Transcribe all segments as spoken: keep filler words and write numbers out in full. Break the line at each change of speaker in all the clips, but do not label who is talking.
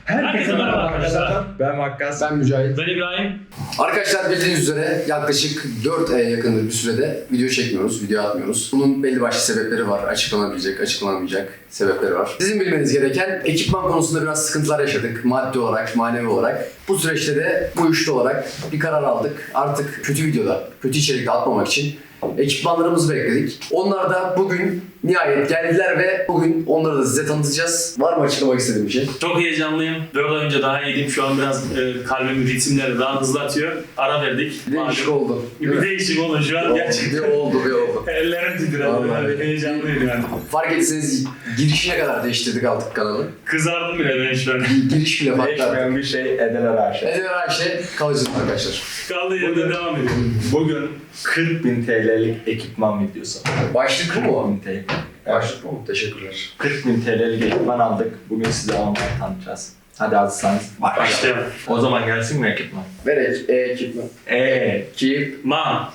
Herkese merhaba arkadaşlar.
Ben Vakkas.
Ben Mücahit.
Ben İbrahim.
Arkadaşlar bildiğiniz üzere yaklaşık dört aya yakındır bir sürede video çekmiyoruz, video atmıyoruz. Bunun belli başlı sebepleri var. Açıklanabilecek, açıklanamayacak sebepleri var. Sizin bilmeniz gereken ekipman konusunda biraz sıkıntılar yaşadık. Maddi olarak, manevi olarak. Bu süreçte de bu üçlü olarak bir karar aldık. Artık kötü videoda, kötü içerikte atmamak için ekipmanlarımızı bekledik. Onlar da bugün nihayet geldiler ve bugün onları da size tanıtacağız. Var mı açıklamak istediğim bir şey?
Çok heyecanlıyım. dört ay önce daha iyiydim. Şu an biraz e, kalbimin ritimleri daha hızlı atıyor. Ara verdik.
Bir değişik
Malum.
oldu.
Bir değişik oldu şu an gerçekten.
Bir oldu, bir oldu.
Ellerim titredi. Yani heyecanlıyım yani.
Fark etseniz girişine kadar değiştirdik artık kanalı.
Kızardım bile ben şu an.
Giriş bile farklı.
Değişmeyen bir şey Edeler Arşe.
Eder her şey kalıcı arkadaşlar.
Kaldığı yerde devam ediyorum.
Bugün kırk bin T L'lik ekipman videosu.
Başlık bu mu?
kırk bin T L.
Başlık bu mu? Teşekkürler.
kırk bin T L'lik ekipman aldık. Bugün size onları tanıtacağız. Hadi hazırsanız başlayalım.
Başlayalım.
O zaman gelsin mi ekipman?
Ver ek, e ekipman.
Eee.
Ekip.
Ma.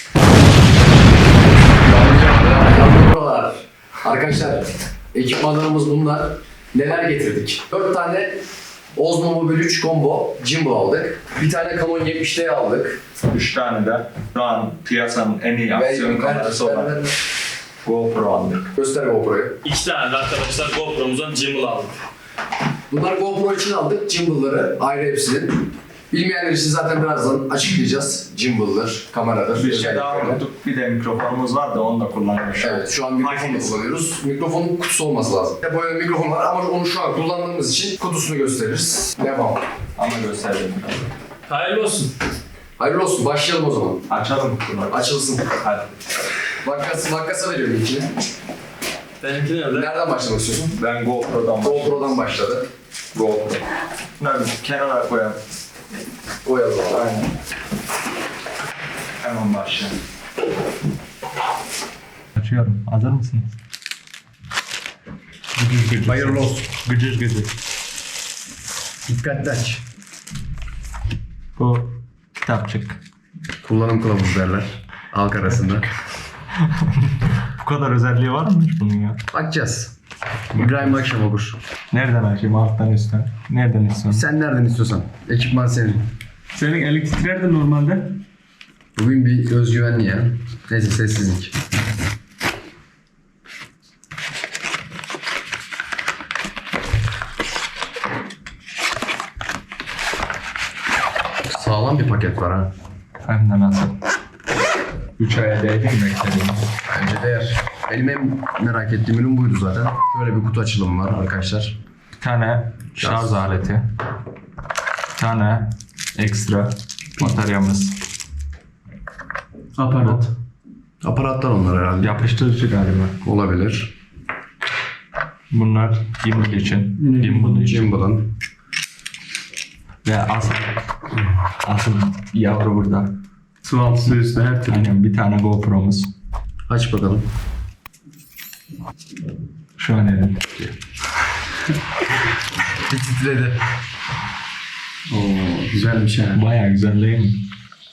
Buralar. Arkadaşlar ekipmanlarımız bunlar. Neler getirdik? dört tane Osmo Mobile üç Combo gimbal aldık. Bir tane Canon yetmiş D aldık.
üç tane de şu an piyasanın en iyi aksiyon kamerası
ver,
olan
ver, ver.
GoPro aldık.
Göster GoPro'yu.
İki tane de arkadaşlar GoPro'muzdan gimbal aldık.
Bunlar GoPro için aldık. Gimbal'ları ayrı hepsinin. Bilmeyenler için zaten birazdan açıklayacağız. Gimbal'dır, kameradır.
Bir şey daha
özelliklerini.
unuttuk. Bir de mikrofonumuz var da onu da kullanıyoruz.
Evet, şu an mikrofonu
Hangisi?
kullanıyoruz. Mikrofonun kutusu olması lazım. Böyle mikrofon var ama onu şu an kullandığımız için kutusunu gösteririz. Devam.
Ama gösterdim.
Hayırlı olsun.
Hayırlı olsun, başlayalım o zaman.
Açalım kutuları.
Açılsın.
Hadi.
Vakkas, Vakkas'a veriyorum ilkini.
Benimki nerede?
Nereden başlamak istiyorsun?
Ben GoPro'dan başlayayım.
GoPro'dan başladı.
GoPro. Bunları kenara koyalım.
Koyalım abi.
Aynen. Hemen başlayalım. Açıyorum. Hazır mısınız? Gıcır gıcır.
Hayırlı olsun.
Gıcır gıcır.
Dikkatli aç.
Bu kitapçık.
Kullanım kılavuzu derler. Halk arasında.
Bu kadar özelliği var mı bunun ya?
Bakacağız. İbrahim akşam okur.
Nereden açayım? Alttan üstten. Nereden istiyorsun?
Sen nereden istiyorsan. Ekipman senin.
Senin eli titrerdi normalde.
Bugün bir özgüvenli ya. Neyse sessizlik. Sağlam bir paket var ha.
Hem de nasıl? üç aya değdi mi beklediğim?
Bence değer. Benim en merak ettiğim ürün buydu zaten. Şöyle bir kutu açılımı var arkadaşlar.
Bir tane şarj aleti. Bir tane ekstra bataryamız.
Aparat. Aparatlar onlar herhalde.
Yapıştırıcı galiba.
Olabilir.
Bunlar gimbal için. Gimbal için.
Gimbal'ın.
Ve asıl, asıl yavru burada.
Su altı su üstü her türlü.
Aynen bir tane GoPro'muz.
Aç bakalım.
Şu an elimde.
Bir titredi.
Oo, güzelmiş yani.
Bayağı güzel değil mi?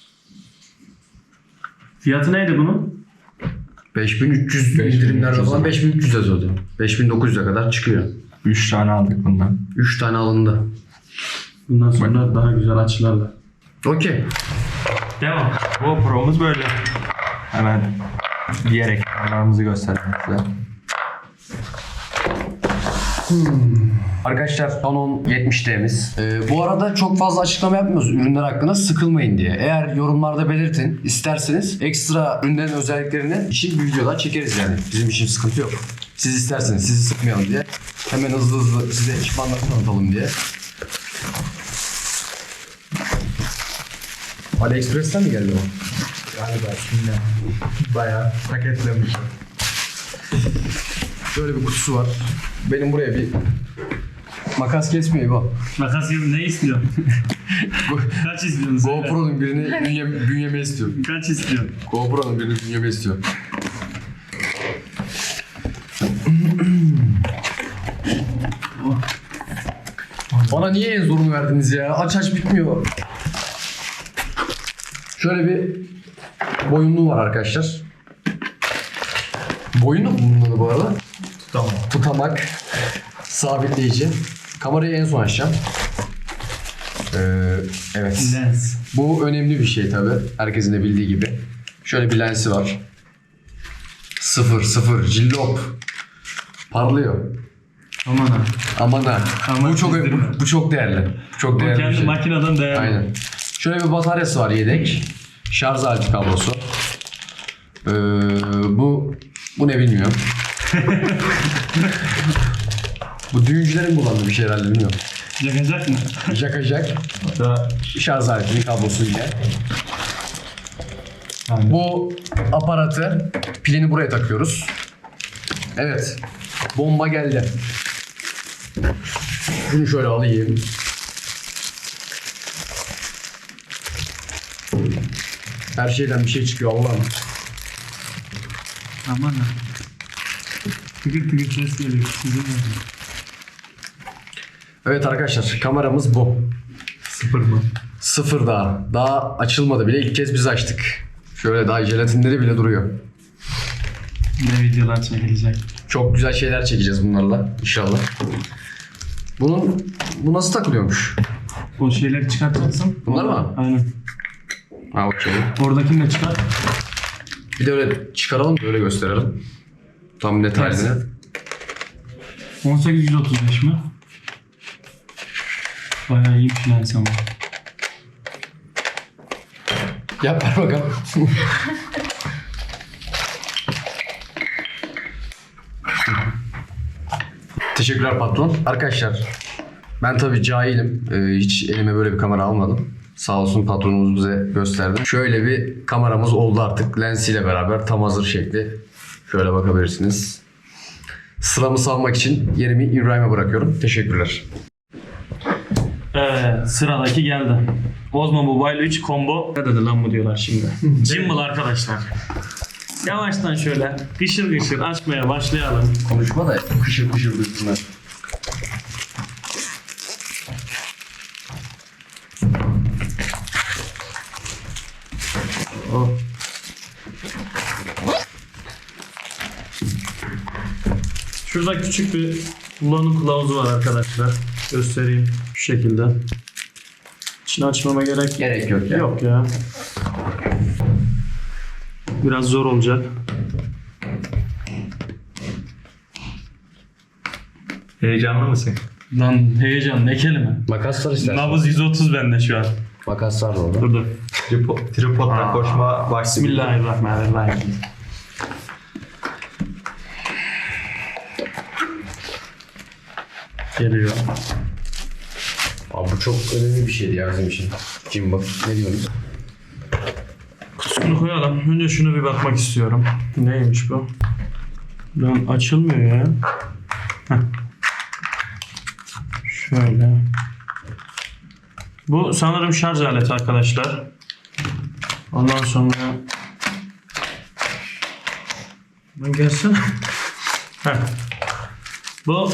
Fiyatı neydi bunun?
beş bin üç yüz
beş bin üç yüz
indirimlerde falan beş bin üç yüz yazıyordu. beş bin dokuz yüze kadar çıkıyor.
üç tane aldık bundan.
üç tane alındı.
Bundan sonra daha güzel açılarla.
Okey.
Devam.
GoPro'muz böyle. Hemen diğer ekranlarımızı gösterelim size.
Arkadaşlar Canon yetmiş D'miz. Ee, bu arada çok fazla açıklama yapmıyoruz ürünler hakkında, sıkılmayın diye. Eğer yorumlarda belirtin isterseniz ekstra ürünlerin özelliklerini için bir videoda çekeriz yani. Bizim için sıkıntı yok. Siz isterseniz sizi sıkmayalım diye. Hemen hızlı hızlı size ekipmanları tanıtalım diye. AliExpress'ten mi geldi o?
Galiba şimdi bayağı paketlemiş.
Şöyle bir kutusu var. Benim buraya bir makas kesmiyor bu.
Makas gibi ne istiyorsun? Kaç istiyorsun söyle.
GoPro'nun birini bünye, bünyeme istiyor.
Kaç istiyorsun?
GoPro'nun birini bünyeme istiyor. Bana niye en zorunu verdiniz ya? Aç aç bitmiyor. Şöyle bir boyunluğu var arkadaşlar. Boyunluk mu bunun adı bu arada?
Tamam.
Tutamak, sabitleyici. Kamerayı en son açacağım. Ee, evet.
Lens.
Bu önemli bir şey tabi. Herkesin de bildiği gibi. Şöyle bir lensi var. Sıfır sıfır cillop. Parlıyor.
Aman ha.
Aman ha.
Aman
bu çok
çizdirme.
bu, bu çok değerli. Bu çok
Bu
değerli bir
kendi
şey.
makineden değerli.
Aynen. Şöyle bir bataryası var yedek. Şarj aleti kablosu. Ee, bu bu ne bilmiyorum. Bu düğüncülerin kullandığı bir şey herhalde bilmiyorum.
Yakacak mı?
Yakacak. Şarj aletinin kablosu yine.
Aynen.
Bu aparatı pilini buraya takıyoruz. Evet. Bomba geldi. Şunu şöyle alayım. Her şeyden bir şey çıkıyor Allah'ım.
Aman ha. Tıkır tıkır ses geliyor. Sizin mi?
Evet arkadaşlar kameramız bu.
Sıfır mı?
Sıfır daha. Daha açılmadı bile. İlk kez biz açtık. Şöyle daha jelatinleri bile duruyor.
Ne videolar çekilecek.
Çok güzel şeyler çekeceğiz bunlarla inşallah. Bunun bu nasıl takılıyormuş?
O şeyleri çıkartacaksın.
Bunlar mı?
Aynen.
Ha okey.
Oradakini de çıkart.
Bir de öyle çıkaralım da öyle gösterelim. Tam detayını.
on sekiz yüz otuz beş mi? Bayağı iyiymiş lens ama.
Yap ver bakalım. Teşekkürler patron. Arkadaşlar ben tabii cahilim. Ee, hiç elime böyle bir kamera almadım. Sağ olsun patronumuz bize gösterdi. Şöyle bir kameramız oldu artık. Lensiyle beraber tam hazır şekli. Şöyle bakabilirsiniz. Sıramı salmak için yerimi İbrahim'e bırakıyorum. Teşekkürler.
Evet, sıradaki geldi. Osmo Mobile üç Combo. Ne dedi lan bu diyorlar şimdi. Gimbal arkadaşlar. Yavaştan şöyle gışır gışır açmaya başlayalım.
Konuşma da kışır kışır duysunlar.
Oh. Şurada küçük bir kullanım kılavuzu var arkadaşlar. Göstereyim şu şekilde. İçini açmama gerek
Gerek yok ya.
yok ya. Biraz zor olacak.
Heyecanlı mısın?
Lan heyecan ne kelime.
Makas var istersen.
Nabız yüz otuz bende şu an.
Makas var orada.
Dur dur.
Tripod, tripodla koşma vakti.
Bismillahirrahmanirrahim. Geliyor.
Abi bu çok önemli bir şeydi ya bizim için. Gimbal. Ne diyorsunuz?
Kutusunu koyalım. Önce şunu bir bakmak istiyorum. Neymiş bu? Lan açılmıyor ya. Heh. Şöyle. Bu sanırım şarj aleti arkadaşlar. Ondan sonra... Lan gelsene. Heh. Bu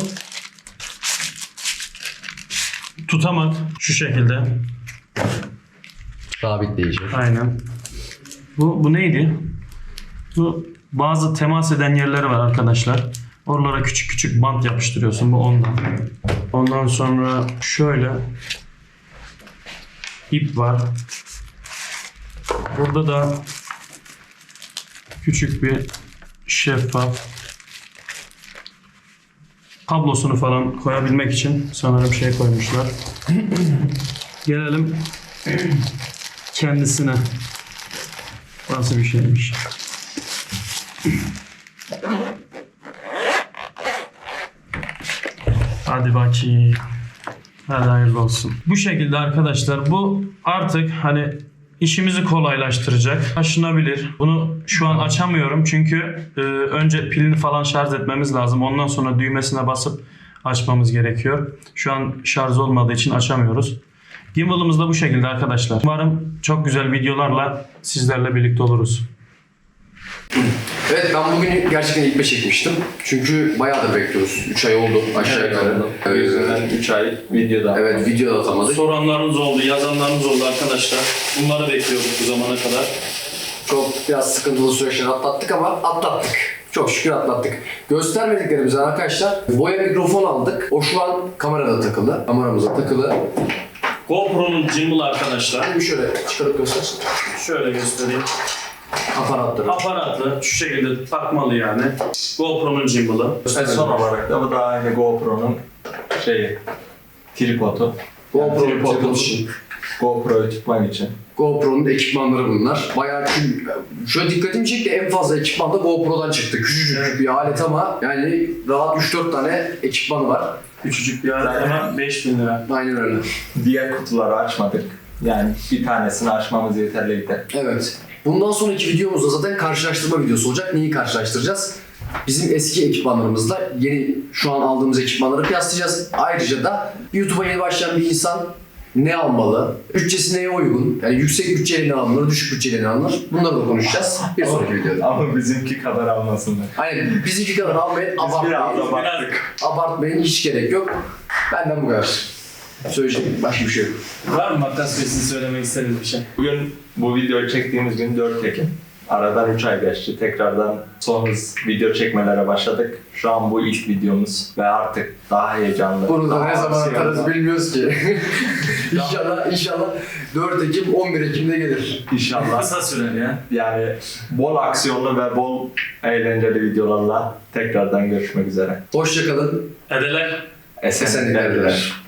tutamak şu şekilde.
Sabitleyici.
Aynen. Bu, bu neydi? Bu bazı temas eden yerleri var arkadaşlar. Oralara küçük küçük bant yapıştırıyorsun. Bu ondan. Ondan sonra şöyle ip var. Burada da küçük bir şeffaf kablosunu falan koyabilmek için sanırım şey koymuşlar. Gelelim kendisine. Nasıl bir şeymiş? Hadi bakayım. Hadi hayırlı olsun. Bu şekilde arkadaşlar bu artık hani işimizi kolaylaştıracak. Taşınabilir. Bunu şu an açamıyorum çünkü e, önce pilini falan şarj etmemiz lazım. Ondan sonra düğmesine basıp açmamız gerekiyor. Şu an şarj olmadığı için açamıyoruz. Gimbal'ımız da bu şekilde arkadaşlar. Umarım çok güzel videolarla sizlerle birlikte oluruz.
Evet ben bugün gerçekten ilk beş çekmiştim. Çünkü bayağıdır bekliyoruz. üç ay oldu aşağı yukarı.
O yüzden üç ay videoda.
Evet video da atamadık.
Soranlarınız oldu, yazanlarınız oldu arkadaşlar. Bunları bekliyorduk bu zamana kadar.
Çok biraz sıkıntılı süreçler atlattık ama atlattık. Çok şükür atlattık. Göstermediklerimizden arkadaşlar boya mikrofon aldık. O şu an kamerada takılı. Kameramıza takılı.
GoPro'nun gimbal arkadaşlar.
Bir şöyle çıkarıp göstersin.
Şöyle göstereyim.
Aparatları.
Aparatlı şu şekilde takmalı yani. GoPro'nun gimbal'ı.
Ve son olarak da bu da aynı GoPro'nun şeyi, tripodu.
GoPro
Yani tripodu
için.
GoPro'yu tutmak için.
GoPro'nun ekipmanları bunlar. Bayağı çünkü şöyle dikkatimi çekti, en fazla ekipman da GoPro'dan çıktı. Küçücük bir alet ama yani rahat üç dört tane ekipman var.
Küçücük bir alet ama beş bin lira.
Aynen öyle.
Diğer kutuları açmadık. Yani bir tanesini açmamız yeterliydi.
Evet. Bundan sonraki videomuzda zaten karşılaştırma videosu olacak. Neyi karşılaştıracağız? Bizim eski ekipmanlarımızla yeni şu an aldığımız ekipmanları kıyaslayacağız. Ayrıca da YouTube'a yeni başlayan bir insan ne almalı? Bütçesi neye uygun? Yani yüksek bütçeyle ne alınır, düşük bütçeyle ne alınır? Bunları da konuşacağız bir sonraki videoda.
Ama bizimki kadar almasınlar.
Aynen bizimki kadar almayın,
Biz biraz
abartmayın.
abarttık.
Abartmayın, hiç gerek yok. Benden bu kadar. Söyleyecek başka bir şey yok.
Var mı Makas Bey sizin söylemek istediğiniz bir şey?
Bugün bu videoyu çektiğimiz gün dört Ekim. Aradan üç ay geçti. Tekrardan son hız video çekmelere başladık. Şu an bu ilk videomuz ve artık daha heyecanlı.
Bunu da
daha
ne zaman
aksiyonlu.
atarız bilmiyoruz ki. inşallah, inşallah dört Ekim, on bir Ekim'de gelir.
İnşallah.
Kısa sürer ya.
Yani bol aksiyonlu ve bol eğlenceli videolarla tekrardan görüşmek üzere.
Hoşça kalın.
Edeler.
Esenlikler
Esenlikler
dilerim.
dilerim.